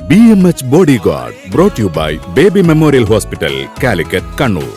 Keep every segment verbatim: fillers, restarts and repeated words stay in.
B M H bodyguard brought you by Baby Memorial Hospital, Calicut, Kannur.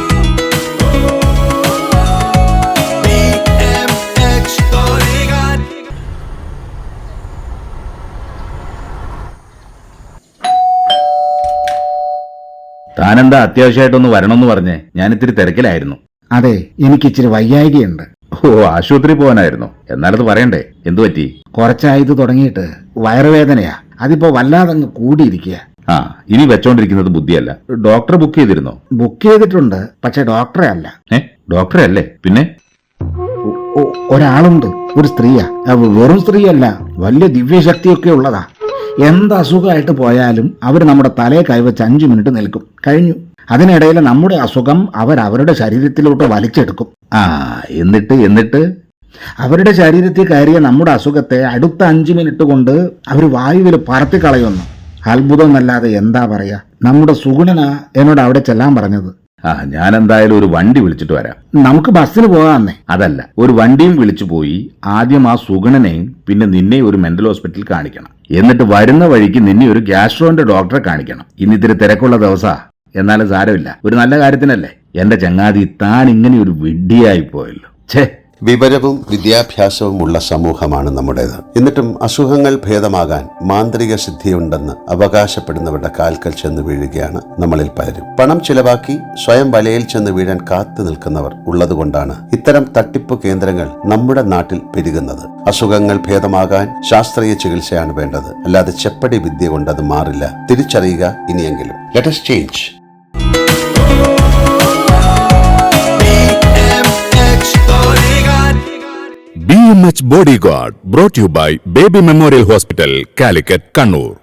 താനെന്താ അത്യാവശ്യമായിട്ടൊന്ന് വരണമെന്ന് പറഞ്ഞേ? ഞാൻ ഇത്തിരി തിരക്കിലായിരുന്നു. അതെ, എനിക്കിച്ചിരി വയ്യായികയുണ്ട്. ഓ, ആശുപത്രി പോകാനായിരുന്നു. എന്നാലത് പറയണ്ടേ, എന്തു പറ്റി? കുറച്ചായത് തുടങ്ങിയിട്ട് വയറുവേദനയാ. അതിപ്പോ വല്ലാതങ്ങ് കൂടിയിരിക്കുക. ആ, ഇനി വെച്ചോണ്ടിരിക്കുന്നത് ബുദ്ധിയല്ല. ഡോക്ടറെ ബുക്ക് ചെയ്തിരുന്നോ? ബുക്ക് ചെയ്തിട്ടുണ്ട്, പക്ഷെ ഡോക്ടറെ അല്ല. ഏ ഡോക്ടറെ അല്ലേ? പിന്നെ ഒ- ഒരാളുണ്ട്, ഒരു സ്ത്രീയാ. അവ വെറും സ്ത്രീയല്ല, വലിയ ദിവ്യശക്തിയൊക്കെ ഉള്ളതാ. എന്ത് അസുഖമായിട്ട് പോയാലും അവർ നമ്മുടെ തലയെ കൈവച്ച് അഞ്ചു മിനിറ്റ് നിൽക്കും, കഴിഞ്ഞു. അതിനിടയിൽ നമ്മുടെ അസുഖം അവർ അവരുടെ ശരീരത്തിലോട്ട് വലിച്ചെടുക്കും. ആ എന്നിട്ട് എന്നിട്ട് അവരുടെ ശരീരത്തിൽ കയറിയ നമ്മുടെ അസുഖത്തെ അടുത്ത അഞ്ചു മിനിറ്റ് കൊണ്ട് അവർ വായുവിൽ പറത്തിക്കളയുന്നു. അത്ഭുതം എന്നല്ലാതെ എന്താ പറയാ. നമ്മുടെ സുഗുണനാ എന്നോട് അവിടെ ചെല്ലാൻ പറഞ്ഞത്. ആ ഞാൻ എന്തായാലും ഒരു വണ്ടി വിളിച്ചിട്ട് വരാം. നമുക്ക് ബസ്സിന് പോകാന്നേ. അതല്ല, ഒരു വണ്ടിയും വിളിച്ചു പോയി ആദ്യം ആ സുഗണനെയും പിന്നെ നിന്നെ ഒരു മെന്റൽ ഹോസ്പിറ്റലിൽ കാണിക്കണം. എന്നിട്ട് വരുന്ന വഴിക്ക് നിന്നെ ഒരു ഗ്യാസ്ട്രോന്റെ ഡോക്ടറെ കാണിക്കണം. ഇന്നിത്തിരി തിരക്കുള്ള ദിവസാ, എന്നാലും സാരമില്ല, ഒരു നല്ല കാര്യത്തിനല്ലേ. എന്റെ ചങ്ങാതി, താൻ ഇങ്ങനെ ഒരു വിഡ്ഢിയായി പോയല്ലോ. ഛേ, വിവരവും വിദ്യാഭ്യാസവും ഉള്ള സമൂഹമാണ് നമ്മുടേത്. എന്നിട്ടും അസുഖങ്ങൾ ഭേദമാകാൻ മാന്ത്രിക സിദ്ധിയുണ്ടെന്ന് അവകാശപ്പെടുന്നവരുടെ കാൽക്കൽ ചെന്ന് വീഴുകയാണ് നമ്മളിൽ പലരും. പണം ചിലവാക്കി സ്വയം വലയിൽ ചെന്ന് വീഴാൻ കാത്തു നിൽക്കുന്നവർ ഉള്ളതുകൊണ്ടാണ് ഇത്തരം തട്ടിപ്പ് കേന്ദ്രങ്ങൾ നമ്മുടെ നാട്ടിൽ പെരുകുന്നത്. അസുഖങ്ങൾ ഭേദമാകാൻ ശാസ്ത്രീയ ചികിത്സയാണ് വേണ്ടത്, അല്ലാതെ ചെപ്പടി വിദ്യ കൊണ്ട് അത് മാറില്ല. തിരിച്ചറിയുക ഇനിയെങ്കിലും. Let us change. B M H bodyguard brought you by Baby Memorial Hospital, Calicut, Kannur.